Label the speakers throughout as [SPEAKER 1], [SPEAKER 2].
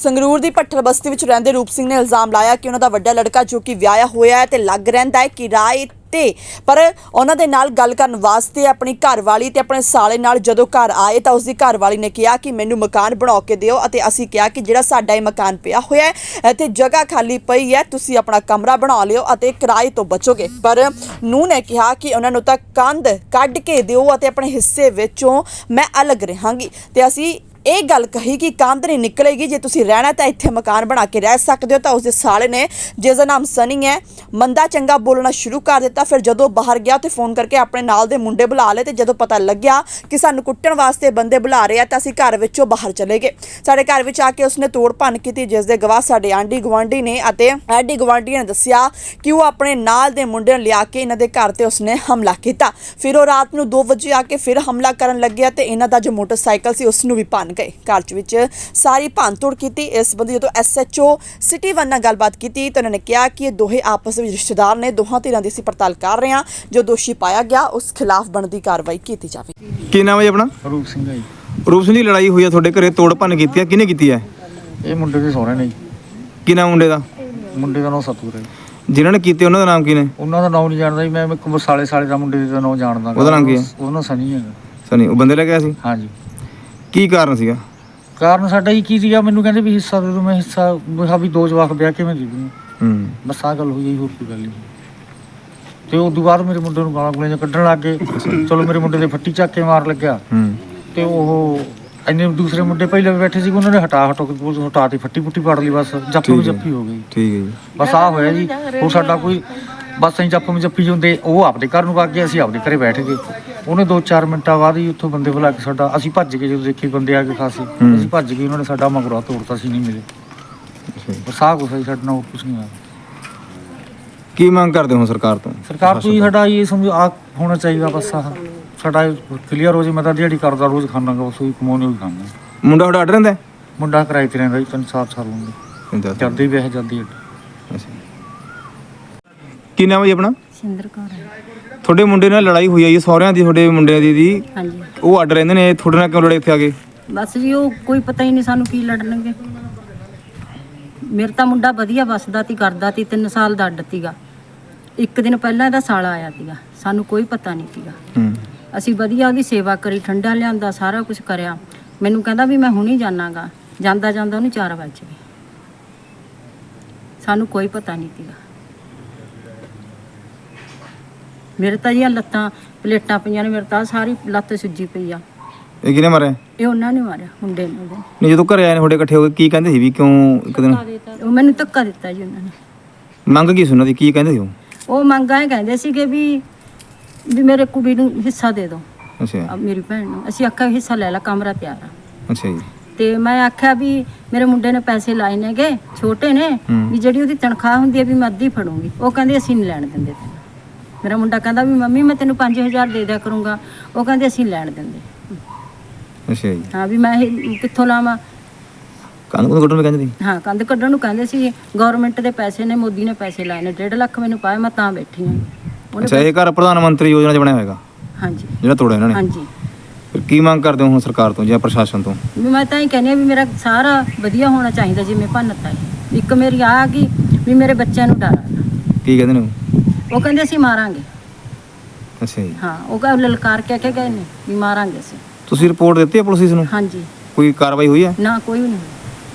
[SPEAKER 1] ਸੰਗਰੂਰ ਦੀ ਭੱਠਲ ਬਸਤੀ ਵਿੱਚ ਰਹਿੰਦੇ ਰੂਪ ਸਿੰਘ ਨੇ ਇਲਜ਼ਾਮ ਲਾਇਆ ਕਿ ਉਹਨਾਂ ਦਾ ਵੱਡਾ ਲੜਕਾ ਜੋ ਕਿ ਵਿਆਹਿਆ ਹੋਇਆ ਹੈ ਤੇ ਲੱਗ ਰਹਿੰਦਾ ਹੈ ਕਿਰਾਏ ਤੇ, ਪਰ ਉਹਨਾਂ ਦੇ ਨਾਲ ਗੱਲ ਕਰਨ ਵਾਸਤੇ ਆਪਣੀ ਘਰਵਾਲੀ ਤੇ ਆਪਣੇ ਸਾਲੇ ਨਾਲ ਜਦੋਂ ਘਰ ਆਏ ਤਾਂ ਉਸਦੀ ਘਰਵਾਲੀ ਨੇ ਕਿਹਾ ਕਿ ਮੈਨੂੰ ਮਕਾਨ ਬਣਾ ਕੇ ਦਿਓ ਅਤੇ ਅਸੀਂ ਕਿਹਾ ਕਿ ਜਿਹੜਾ ਸਾਡਾ ਇਹ ਮਕਾਨ ਪਿਆ ਹੋਇਆ ਹੈ ਇੱਥੇ ਜਗ੍ਹਾ ਖਾਲੀ ਪਈ ਹੈ, ਤੁਸੀਂ ਆਪਣਾ ਕਮਰਾ ਬਣਾ ਲਿਓ ਅਤੇ ਕਿਰਾਏ ਤੋਂ ਬਚੋਗੇ। ਪਰ ਨੂੰਹ ਨੇ ਕਿਹਾ ਕਿ ਉਹਨਾਂ ਨੂੰ ਤਾਂ ਕੰਧ ਕੱਢ ਕੇ ਦਿਓ ਅਤੇ ਆਪਣੇ ਹਿੱਸੇ ਵਿੱਚੋਂ ਮੈਂ ਅਲੱਗ ਰਹਾਂਗੀ ਤੇ ਅਸੀਂ ਇਹ ਗੱਲ ਕਹੀ ਕਿ ਕੰਧ ਨਹੀਂ ਨਿਕਲੇਗੀ, ਜੇ ਤੁਸੀਂ ਰਹਿਣਾ ਤਾਂ ਇੱਥੇ ਮਕਾਨ ਬਣਾ ਕੇ ਰਹਿ ਸਕਦੇ ਹੋ। ਤਾਂ ਉਸਦੇ ਸਾਲੇ ਨੇ, ਜਿਸ ਦਾ ਨਾਮ ਸਨੀ ਹੈ, ਮੰਦਾ ਚੰਗਾ ਬੋਲਣਾ ਸ਼ੁਰੂ ਕਰ ਦਿੱਤਾ। ਫਿਰ ਜਦੋਂ ਬਾਹਰ ਗਿਆ ਤੇ ਫੋਨ ਕਰਕੇ ਆਪਣੇ ਨਾਲ ਦੇ ਮੁੰਡੇ ਬੁਲਾ ਲਏ ਤੇ ਜਦੋਂ ਪਤਾ ਲੱਗਿਆ ਕਿ ਸਾਨੂੰ ਕੁੱਟਣ ਵਾਸਤੇ ਬੰਦੇ ਬੁਲਾ ਰਹੇ ਆ ਤਾਂ ਅਸੀਂ ਘਰ ਵਿੱਚੋਂ ਬਾਹਰ ਚਲੇ ਗਏ। ਸਾਡੇ ਘਰ ਵਿੱਚ ਆ ਕੇ ਉਸਨੇ ਤੋੜ ਭੰਨ ਕੀਤੀ, ਜਿਸ ਦੇ ਗਵਾਹ ਸਾਡੇ ਆਂਢੀ ਗੁਆਂਢੀ ਨੇ ਅਤੇ ਆਂਢੀ ਗੁਆਂਢੀ ਨੇ ਦੱਸਿਆ ਕਿ ਉਹ ਆਪਣੇ ਨਾਲ ਦੇ ਮੁੰਡੇ ਨੂੰ ਲਿਆ ਕੇ ਇਹਨਾਂ ਦੇ ਘਰ ਤੇ ਉਸਨੇ ਹਮਲਾ ਕੀਤਾ। ਫਿਰ ਉਹ ਰਾਤ ਨੂੰ 2 ਵਜੇ ਆ ਕੇ ਫਿਰ ਹਮਲਾ ਕਰਨ ਲੱਗਿਆ ਤੇ ਇਹਨਾਂ ਦਾ ਜੋ ਮੋਟਰਸਾਈਕਲ ਸੀ ਉਸ ਨੂੰ ਵੀ ਭੰਨ ਗਏ। ਘਰ ਵਿੱਚ ਸਾਰੀ ਭੰਨਤੋੜ ਕੀਤੀ। ਇਸ ਸੰਬੰਧੀ ਜਦੋਂ SHO ਸਿਟੀ 1 ਨਾਲ ਗੱਲਬਾਤ ਕੀਤੀ ਤਾਂ ਉਹਨਾਂ ਨੇ ਕਿਹਾ ਕਿ ਇਹ ਦੋਹੇ ਆਪਸ ਵਿੱਚ ਰਿਸ਼ਤੇਦਾਰ ਨੇ, ਦੋਹਾਂ ਧਿਰਾਂ ਦੀ ਅਸੀਂ ਪੜਤਾਲ ਕਰ ਰਹੇ ਹਾਂ, ਜੋ ਦੋਸ਼ੀ ਪਾਇਆ ਗਿਆ ਉਸ ਖਿਲਾਫ ਬਣਦੀ ਕਾਰਵਾਈ ਕੀਤੀ ਜਾਵੇ।
[SPEAKER 2] ਕੀ ਨਾਮ ਹੈ ਆਪਣਾ?
[SPEAKER 3] ਰੂਪ ਸਿੰਘ ਹੈ ਜੀ।
[SPEAKER 2] ਰੂਪ ਸਿੰਘ ਦੀ ਲੜਾਈ ਹੋਈ ਹੈ ਤੁਹਾਡੇ ਘਰੇ, ਤੋੜ ਭੰਨ ਕੀਤੀ ਹੈ, ਕਿਹਨੇ ਕੀਤੀ ਹੈ?
[SPEAKER 3] ਇਹ ਮੁੰਡੇ ਦੇ ਸਹੁਰੇ ਨੇ ਜੀ।
[SPEAKER 2] ਕੀ ਨਾਮ ਮੁੰਡੇ ਦਾ?
[SPEAKER 3] ਮੁੰਡੇ ਦਾ ਨਾਮ ਸਤੂਰ ਹੈ ਜੀ।
[SPEAKER 2] ਜਿਨ੍ਹਾਂ ਨੇ ਕੀਤੇ ਉਹਨਾਂ ਦਾ ਨਾਮ ਕੀ ਨੇ?
[SPEAKER 3] ਉਹਨਾਂ ਦਾ ਨਾਮ ਨਹੀਂ ਜਾਣਦਾ ਜੀ ਮੈਂ, ਇੱਕ ਸਾਲੇ ਦਾ ਮੁੰਡੇ ਦਾ ਨਾਮ ਜਾਣਦਾ।
[SPEAKER 2] ਉਹਦਾ ਨਾਮ ਕੀ ਹੈ?
[SPEAKER 3] ਉਹਦਾ ਨਾਮ ਸਨੀ ਹੈਗਾ।
[SPEAKER 2] ਸਨੀ। ਉਹ ਬੰਦੇ ਲੈ ਗਿਆ ਸੀ?
[SPEAKER 3] ਹਾਂਜੀ।
[SPEAKER 2] ਕੀ ਕਾਰਨ ਸੀਗਾ?
[SPEAKER 3] ਕਾਰਨ ਸਾਡਾ ਹੀ ਕੀ ਸੀਗਾ, ਮੈਨੂੰ ਕਹਿੰਦੇ ਵੀ ਹਿੱਸਾ ਦੇ ਦਿਓ। ਮੈਂ ਹਿੱਸਾ ਕਿਹਾ ਵੀ 2 ਜਵਾਕ ਵਿਆਹ ਕਿਵੇਂ ਦੇ ਦੂੰ। ਬਸ ਆਹ ਗੱਲ ਹੋਈ ਜੀ, ਹੋਰ ਕੋਈ ਗੱਲ ਨਹੀਂ। ਤੇ ਉਸ ਤੋਂ ਬਾਅਦ ਮੇਰੇ ਮੁੰਡੇ ਨੂੰ ਗਾਲਾਂ ਗੁਲੀਆਂ ਕੱਢਣ ਲੱਗ ਗਏ। ਚਲੋ ਮੇਰੇ ਮੁੰਡੇ ਦੇ ਫੱਟੀ ਚੱਕ ਕੇ ਮਾਰ ਲੱਗਿਆ ਤੇ ਉਹ ਇੰਨੇ ਦੂਸਰੇ ਮੁੰਡੇ ਪਹਿਲਾਂ ਵੀ ਬੈਠੇ ਸੀ, ਉਹਨਾਂ ਨੇ ਹਟਾ ਤੇ ਫੱਟੀ ਫੁੱਟੀ ਪਾੜ ਲਈ। ਬਸ ਜੱਫੀ ਹੋ ਗਈ।
[SPEAKER 2] ਠੀਕ ਹੈ ਜੀ।
[SPEAKER 3] ਬਸ ਆਹ ਹੋਇਆ ਜੀ। ਹੋਰ ਸਾਡਾ ਕੋਈ ਬਸ ਅਸੀਂ ਜੱਫੀ ਜਾਂਦੇ, ਉਹ ਆਪਦੇ ਘਰ ਨੂੰ ਵਗ ਗਏ, ਅਸੀਂ ਆਪਦੇ ਘਰੇ ਬੈਠ ਗਏ। ਉਹਨੇ 2-4 ਮਿੰਟਾਂ ਬਾਅਦ ਹੀ ਉੱਥੋਂ ਬੰਦੇ ਬੁਲਾ ਕੇ ਅਸੀਂ ਭੱਜ ਗਏ। ਜਦੋਂ ਦੇਖੇ ਬੰਦੇ ਆ ਕੇ ਖਾਸੇ, ਅਸੀਂ ਭੱਜ ਗਏ। ਉਹਨਾਂ ਨੇ ਸਾਡਾ ਮਗਰੋਂ ਤੋੜਤਾ, ਸੀ ਨਹੀਂ ਮਿਲੇ। ਬਸ ਆਹ ਕੁਛ ਸਾਡੇ ਨਾਲ, ਹੋਰ ਕੁਛ ਨਹੀਂ ਹੋਇਆ।
[SPEAKER 2] ਕੀ ਮੰਗ ਕਰਦੇ ਹੋ ਸਰਕਾਰ ਤੋਂ?
[SPEAKER 3] ਸਰਕਾਰ ਤੋਂ ਸਾਡਾ ਇਹ ਸਮਝੋ ਆ ਹੋਣਾ ਚਾਹੀਦਾ। ਬਸ ਆਹ ਸਾਡਾ ਕਲੀਅਰ ਹੋ ਜੇ। ਮੈਂ ਤਾਂ ਦਿਹਾੜੀ ਕਰਦਾ, ਰੋਜ਼ ਖਾਣਾ ਗਾ, ਸੋਈ ਕਮਾਉਣੀ ਹੋਈ ਖਾਂਦਾ।
[SPEAKER 2] ਮੁੰਡਾ ਤੁਹਾਡਾ ਅੱਡ ਰਹਿੰਦਾ?
[SPEAKER 3] ਮੁੰਡਾ ਕਿਰਾਏ ਤੇ ਰਹਿੰਦਾ ਜੀ, 3-4 ਸਾਲ ਹੁੰਦੇ ਜਾਂਦੀ ਵਿਆਹ ਜਾਂਦੀ।
[SPEAKER 2] ਕੀ ਨਾਮ ਹੈ ਜੀ ਆਪਣਾ?
[SPEAKER 4] ਸਿੰਦਰ ਕੌਰ।
[SPEAKER 2] ਤੁਹਾਡੇ ਮੁੰਡੇ ਨਾਲ ਲੜਾਈ ਹੋਈ ਹੈ ਜੀ, ਸਹੁਰਿਆਂ ਦੀ, ਤੁਹਾਡੇ ਮੁੰਡਿਆਂ ਦੀ?
[SPEAKER 4] ਹਾਂਜੀ।
[SPEAKER 2] ਉਹ ਅੱਡ ਰਹਿੰਦੇ ਨੇ, ਤੁਹਾਡੇ ਨਾਲ ਕਿਉਂ ਲੜੇ ਇੱਥੇ ਆ ਕੇ?
[SPEAKER 4] ਬਸ ਜੀ ਉਹ ਕੋਈ ਪਤਾ ਹੀ ਨਹੀਂ ਸਾਨੂੰ ਕੀ ਲੜਨਗੇ। ਮੇਰਾ ਤਾਂ ਮੁੰਡਾ ਵਧੀਆ ਵੱਸਦਾ ਤੀ, ਕਰਦਾ ਤੀ, 3 ਸਾਲ ਦਾ ਅੱਡ ਤੀਗਾ। 1 ਦਿਨ ਪਹਿਲਾਂ ਇਹਦਾ ਸਾਲਾ ਆਇਆ ਤੀਗਾ, ਸਾਨੂੰ ਕੋਈ ਪਤਾ ਨਹੀਂ ਤੀਗਾ। ਅਸੀਂ ਵਧੀਆ ਉਹਦੀ ਸੇਵਾ ਕਰੀ, ਠੰਡਾ ਲਿਆਂਦਾ, ਸਾਰਾ ਕੁਝ ਕਰਿਆ। ਮੈਨੂੰ ਕਹਿੰਦਾ ਵੀ ਮੈਂ ਹੁਣੀ ਜਾਣਾਗਾ, ਜਾਂਦਾ ਉਹਨੂੰ 4 ਵੱਜ ਗਏ। ਸਾਨੂੰ ਕੋਈ ਪਤਾ ਨਹੀਂ ਤੀਗਾ। ਮੇਰੇ ਤਾਂ ਜੀ ਲੱਤਾਂ ਪਲੇਟਾਂ ਪਈਆਂ ਨੇ, ਮੇਰੇ ਤਾਂ ਸਾਰੀ ਲੱਤ ਸੁੱਜੀ ਪਈ ਆ।
[SPEAKER 2] ਇਹ ਕਿਹਨੇ ਮਾਰਿਆ?
[SPEAKER 4] ਇਹ ਉਹਨਾਂ ਨੇ ਮਾਰਿਆ, ਮੁੰਡੇ ਨੇ।
[SPEAKER 2] ਨਹੀਂ, ਜਦੋਂ ਘਰੇ ਆਏ ਨੇ ਤੁਹਾਡੇ ਇਕੱਠੇ ਹੋ ਕੇ, ਕੀ ਕਹਿੰਦੇ ਸੀ ਵੀ ਕਿਉਂ ਇੱਕ ਦਿਨ?
[SPEAKER 4] ਉਹ ਮੈਨੂੰ ਧੱਕਾ ਦਿੱਤਾ ਜੀ ਉਹਨਾਂ ਨੇ।
[SPEAKER 2] ਮੰਗ ਕੀ ਸੀ ਉਹਨਾਂ ਦੀ, ਕੀ ਕਹਿੰਦੇ ਸੀ
[SPEAKER 4] ਉਹ ਮੰਗਾਂ ਇਹ ਕਹਿੰਦੇ ਸੀਗੇ ਵੀ ਮੇਰੇ ਕੁੜੀ ਨੂੰ ਹਿੱਸਾ ਦੇ ਦਿਓ।
[SPEAKER 2] ਅੱਛਾ।
[SPEAKER 4] ਮੇਰੀ ਭੈਣ ਨੂੰ ਅਸੀਂ ਆਖਿਆ ਹਿੱਸਾ ਲੈ ਲਾ, ਕਮਰਾ ਤਿਆਰ ਆ।
[SPEAKER 2] ਅੱਛਾ ਜੀ।
[SPEAKER 4] ਤੇ ਮੈਂ ਆਖਿਆ ਵੀ ਮੇਰੇ ਮੁੰਡੇ ਨੇ ਪੈਸੇ ਲਾਏ ਨੇਗੇ, ਛੋਟੇ ਨੇ, ਵੀ ਜਿਹੜੀ ਉਹਦੀ ਤਨਖਾਹ ਹੁੰਦੀ ਹੈ ਵੀ ਮੈਂ ਅੱਧੀ ਫੜੂੰਗੀ। ਉਹ ਕਹਿੰਦੇ ਅਸੀਂ ਨਹੀਂ ਲੈਣ ਦਿੰਦੇ ਤੈਨੂੰ। ਮੇਰਾ ਮੁੰਡਾ ਕਹਿੰਦਾ ਵੀ ਮੰਮੀ ਮੈਂ ਤੈਨੂੰ 5000 ਦੇ ਦਿਆ ਕਰੂੰਗਾ। ਉਹ ਕਹਿੰਦੇ ਅਸੀਂ ਲੈਣ ਦਿੰਦੇ।
[SPEAKER 2] ਅੱਛਾ ਜੀ।
[SPEAKER 4] ਹਾਂ ਵੀ ਮੈਂ ਇਹ ਕਿੱਥੋਂ ਲਾਵਾਂ?
[SPEAKER 2] ਕੰਧ ਕੱਢਣ ਨੂੰ ਕਹਿੰਦੇ ਸੀ?
[SPEAKER 4] ਹਾਂ, ਕੰਧ ਕੱਢਣ ਨੂੰ ਕਹਿੰਦੇ ਸੀ। ਗਵਰਨਮੈਂਟ ਦੇ ਪੈਸੇ ਨੇ, ਮੋਦੀ ਨੇ ਪੈਸੇ ਲਾਏ ਨੇ, 1.5 ਲੱਖ ਮੈਨੂੰ ਪਾਇਆ, ਮੈਂ ਤਾਂ ਬੈਠੀ ਹਾਂ।
[SPEAKER 2] ਅੱਛਾ, ਇਹ ਘਰ ਪ੍ਰਧਾਨ ਮੰਤਰੀ ਯੋਜਨਾ 'ਚ ਬਣਿਆ ਹੋਏਗਾ?
[SPEAKER 4] ਹਾਂਜੀ।
[SPEAKER 2] ਜਿਹੜਾ ਤੋੜਿਆ ਇਹਨਾਂ ਨੇ?
[SPEAKER 4] ਹਾਂਜੀ।
[SPEAKER 2] ਫਿਰ ਕੀ ਮੰਗ ਕਰਦੇ ਹੋ ਹੁਣ ਸਰਕਾਰ ਤੋਂ ਜਾਂ ਪ੍ਰਸ਼ਾਸਨ ਤੋਂ?
[SPEAKER 4] ਵੀ ਮੈਂ ਤਾਂ ਇਹ ਕਹਿੰਦੀ ਹਾਂ ਵੀ ਮੇਰਾ ਸਾਰਾ ਵਧੀਆ ਹੋਣਾ ਚਾਹੀਦਾ, ਜਿਵੇਂ ਭੰਨਤਾ ਹੈ। ਇੱਕ ਮੇਰੀ ਆ ਗਈ ਵੀ ਮੇਰੇ ਬੱਚਿਆਂ ਨੂੰ ਡਰ ਆ।
[SPEAKER 2] ਕੀ ਕਹਿੰਦੇ ਨੇ
[SPEAKER 4] ਉਹ ਕਹਿੰਦੇ ਅਸੀਂ ਮਾਰਾਂਗੇ।
[SPEAKER 2] ਅੱਛਾ ਜੀ।
[SPEAKER 4] ਹਾਂ, ਉਹ ਕਹ ਲਲਕਾਰ ਕੇ ਗਏ ਨੇ ਵੀ ਮਾਰਾਂਗੇ ਅਸੀਂ।
[SPEAKER 2] ਤੁਸੀਂ ਰਿਪੋਰਟ ਦਿੱਤੀ ਹੈ ਪੁਲਿਸ ਨੂੰ?
[SPEAKER 4] ਹਾਂਜੀ।
[SPEAKER 2] ਕੋਈ ਕਾਰਵਾਈ ਹੋਈ ਹੈ?
[SPEAKER 4] ਨਾ, ਕੋਈ ਵੀ ਨਹੀਂ।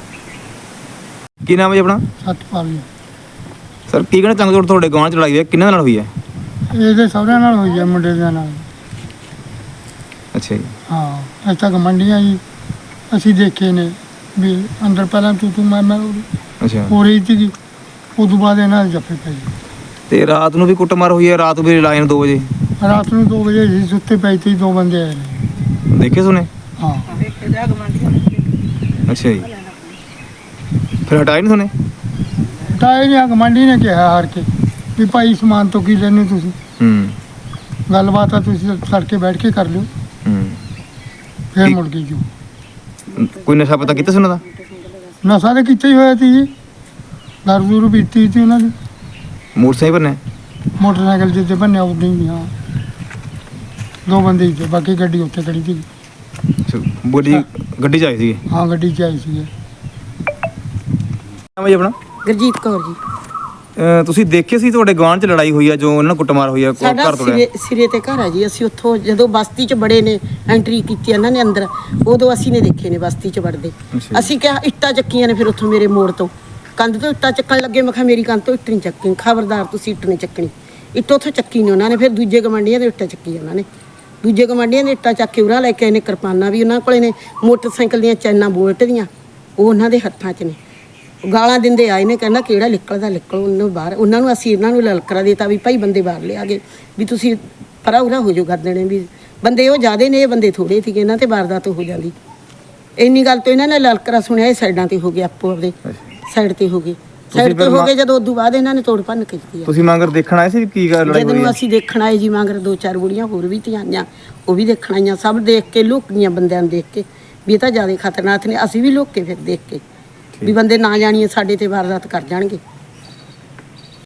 [SPEAKER 2] ਕੀ ਨਾਮ ਹੈ ਜੀ ਆਪਣਾ?
[SPEAKER 5] ਸਤਪਾਲ ਜੀ।
[SPEAKER 2] ਸਰ, ਕੀ ਕਹਿਣਾ ਚਾਹੁੰਦੇ ਤੁਹਾਡੇ ਗਾਂਵ 'ਚ ਲੜਾਈ ਹੋਈ ਹੈ, ਕਿਹਨਾਂ ਨਾਲ ਹੋਈ ਹੈ?
[SPEAKER 5] ਇਹਦੇ ਸਹੁਰਿਆਂ ਨਾਲ ਹੋਈ ਹੈ, ਮੁੰਡੇ ਦੇ ਨਾਲ।
[SPEAKER 2] ਅੱਛਾ ਜੀ।
[SPEAKER 5] ਹਾਂ, ਅੱਜ ਤੱਕ ਮੰਡੀਆਂ ਜੀ ਅਸੀਂ ਦੇਖੇ ਨੇ ਵੀ ਅੰਦਰ ਪਹਿਲਾਂ ਤੂੰ ਮੈਂ
[SPEAKER 2] ਅੱਛਾ।
[SPEAKER 5] ਹੋ ਰਹੀ ਸੀਗੀ, ਉਸ ਤੋਂ ਬਾਅਦ ਇਹਨਾਂ ਦੇ ਜੱਫੇ ਪਏ।
[SPEAKER 2] ਤੇ ਰਾਤ ਨੂੰ ਵੀ ਕੁੱਟਮਾਰ ਹੋਈ ਹੈ? ਰਾਤ ਵੀ ਲਾਏ ਨੇ 2 ਵਜੇ?
[SPEAKER 5] ਰਾਤ ਨੂੰ 2 ਵਜੇ ਅਸੀਂ ਸੁੱਤੇ ਪਏ ਸੀ, 2 ਬੰਦੇ ਆਏ ਨੇ।
[SPEAKER 2] ਦੇਖੇ ਸੁਣੇ?
[SPEAKER 5] ਹਾਂ।
[SPEAKER 2] ਅੱਛਾ ਜੀ। ਫਿਰ ਹਟਾਏ ਨਹੀਂ ਸੁਣੇ?
[SPEAKER 5] ਹਟਾਏ ਨਹੀਂ, ਗਵਾਂਢੀ ਨੇ ਕਿਹਾ ਹਾਰ ਕੇ ਵੀ ਭਾਈ ਸਮਾਨ ਤੋਂ ਕੀ ਲੈਣੇ ਤੁਸੀਂ, ਗੱਲਬਾਤ ਆ ਤੁਸੀਂ ਤੜਕੇ ਬੈਠ ਕੇ ਕਰ ਲਿਓ। ਫਿਰ ਮੁੜ ਗਈ ਜੀ।
[SPEAKER 2] ਕੋਈ ਨਸ਼ਾ ਪਤਾ ਕੀਤਾ ਸੀ ਉਹਨਾਂ ਦਾ?
[SPEAKER 5] ਨਸ਼ਾ ਤਾਂ ਕੀਤਾ ਹੀ ਹੋਇਆ ਸੀ ਜੀ, ਦਾਰੂ ਦੂਰੂ ਪੀਤੀ ਸੀ ਉਹਨਾਂ ਦੀ।
[SPEAKER 2] ਮੋਟਰਸਾਈਕਲ ਪਰ ਨੇ?
[SPEAKER 5] ਮੋਟਰਸਾਈਕਲ ਜਿੱਤੇ ਬੰਨਿਆ ਉਦੋਂ ਹੀ। ਹਾਂ, 2 ਬੰਦੇ ਹੀ ਸੀ, ਬਾਕੀ ਗੱਡੀ ਉੱਥੇ ਖੜੀ ਸੀ।
[SPEAKER 2] ਬੋਡੀ ਗੱਡੀ 'ਚ ਆਏ ਸੀਗੇ?
[SPEAKER 5] ਹਾਂ, ਗੱਡੀ 'ਚ ਆਏ ਸੀਗੇ।
[SPEAKER 2] ਨਾਮ ਹੈ ਜੀ ਆਪਣਾ?
[SPEAKER 6] ਗੁਰਜੀਤ ਕੌਰ ਜੀ।
[SPEAKER 2] ਤੁਸੀਂ ਦੇਖੇ ਸੀ ਤੁਹਾਡੇ ਗਵਾਂਢ 'ਚ ਲੜਾਈ ਹੋਈ ਆ ਜੋ ਉਹਨਾਂ ਨਾਲ ਕੁੱਟਮਾਰ ਹੋਈ ਆ
[SPEAKER 6] ਸਾਡਾ
[SPEAKER 2] ਘਰ ਤੋੜਿਆ?
[SPEAKER 6] ਸਿਰੇ ਤੇ ਘਰ ਹੈ ਜੀ। ਅਸੀਂ ਉੱਥੋਂ ਜਦੋਂ ਬਸਤੀ 'ਚ ਬੜੇ ਨੇ ਐਂਟਰੀ ਕੀਤੀ ਇਹਨਾਂ ਨੇ ਅੰਦਰ, ਉਦੋਂ ਅਸੀਂ ਨੇ ਦੇਖੇ ਨੇ ਬਸਤੀ 'ਚ ਵੜਦੇ।
[SPEAKER 2] ਅੱਛਾ।
[SPEAKER 6] ਅਸੀਂ ਕਿਹਾ ਇੱਟਾਂ ਚੱਕੀਆਂ ਨੇ, ਫਿਰ ਉੱਥੋਂ ਮੇਰੇ ਮੋੜ ਤੋਂ ਕੰਧ ਤੋਂ ਇੱਟਾਂ ਚੱਕਣ ਲੱਗੇ। ਮੈਂ ਕਿਹਾ ਮੇਰੀ ਕੰਧ ਤੋਂ ਇੱਟ ਨਹੀਂ ਚੱਕਣੀ, ਖਬਰਦਾਰ ਤੁਸੀਂ ਇੱਟ ਨਹੀਂ ਚੱਕਣੀ। ਇੱਟ ਉੱਥੋਂ ਚੱਕੀ ਨੇ ਉਹਨਾਂ ਨੇ। ਫਿਰ ਦੂਜੇ ਗਵਾਂਢੀਆਂ ਦੇ ਇੱਟਾਂ ਚੱਕੀ ਉਹਨਾਂ ਨੇ। ਦੂਜੇ ਗਵਾਂਢੀਆਂ ਦੇ ਇੱਟਾਂ ਚੱਕ ਕੇ ਉਰਾਂ ਲੈ ਕੇ ਆਏ ਨੇ। ਕਿਰਪਾਨਾਂ ਵੀ ਉਹਨਾਂ ਕੋਲੇ ਨੇ, ਮੋਟਰਸਾਈਕਲ ਦੀਆਂ ਚੈਨਾਂ ਬੋਲਟ ਦੀਆਂ ਉਹ ਉਹਨਾਂ ਦੇ ਹੱਥਾਂ 'ਚ ਨੇ। ਗਾਲਾਂ ਦਿੰਦੇ ਆਏ ਨੇ, ਕਹਿੰਦਾ ਕਿਹੜਾ ਨਿਕਲਦਾ ਨਿਕਲੋ ਉਹਨੂੰ ਬਾਹਰ। ਉਹਨਾਂ ਨੂੰ ਅਸੀਂ ਇਹਨਾਂ ਨੂੰ ਲਲਕਰਾ ਦੇਤਾ ਵੀ ਭਾਈ ਬੰਦੇ ਬਾਹਰ ਲਿਆ ਗਏ, ਵੀ ਤੁਸੀਂ ਪਰਾ ਉਰਾ ਹੋ ਜਾਓ ਕਰ ਦੇਣੇ। ਵੀ ਬੰਦੇ ਉਹ ਜ਼ਿਆਦੇ ਨੇ, ਇਹ ਬੰਦੇ ਥੋੜੇ ਸੀਗੇ, ਇਹਨਾਂ ਤੇ ਵਾਰਦਾਤ ਹੋ ਜਾਂਦੀ। ਇੰਨੀ ਗੱਲ ਤੋਂ ਇਹਨਾਂ ਨੇ ਲਲਕਰਾ ਸੁਣਿਆ, ਇਹ ਸਾਈਡਾਂ ਤੇ ਹੋ ਗਏ, ਆਪੋ ਆਪਦੇ ਸਾਈਡ ਤੇ ਹੋ ਗਏ। ਸਾਈਡ ਤੇ ਹੋ ਗਏ ਜਦੋਂ ਉਦੋਂ ਬਾਅਦ ਇਹਨਾਂ ਨੇ ਤੋੜ ਭੰਨ ਕੀਤੀ।
[SPEAKER 2] ਤੁਸੀਂ ਮਗਰ ਦੇਖਣ ਆਏ ਸੀ ਵੀ ਕੀ ਗੱਲ ਲੜਾਈ
[SPEAKER 6] ਜਦੋਂ
[SPEAKER 2] ਹੋਈ ਆ?
[SPEAKER 6] ਅਸੀਂ ਦੇਖਣ ਆਏ ਜੀ, ਮਗਰ 2-4 ਬੁੜੀਆਂ ਹੋਰ ਵੀ ਤੀਆਂ ਆਈਆਂ, ਉਹ ਵੀ ਦੇਖਣ ਆਈਆਂ। ਸਭ ਦੇਖ ਕੇ ਲੁੱਕ ਗਈਆਂ ਬੰਦਿਆਂ ਨੂੰ ਦੇਖ ਕੇ ਵੀ ਇਹ ਤਾਂ ਜ਼ਿਆਦਾ ਖਤਰਨਾਕ ਨੇ। ਅਸੀਂ ਵੀ ਲੁੱਕ ਕੇ ਫਿਰ ਦੇਖ ਕੇ ਵੀ ਬੰਦੇ ਨਾ ਜਾਣੀਏ ਸਾਡੇ ਤੇ ਵਾਰਦਾਤ ਕਰ ਜਾਣਗੇ।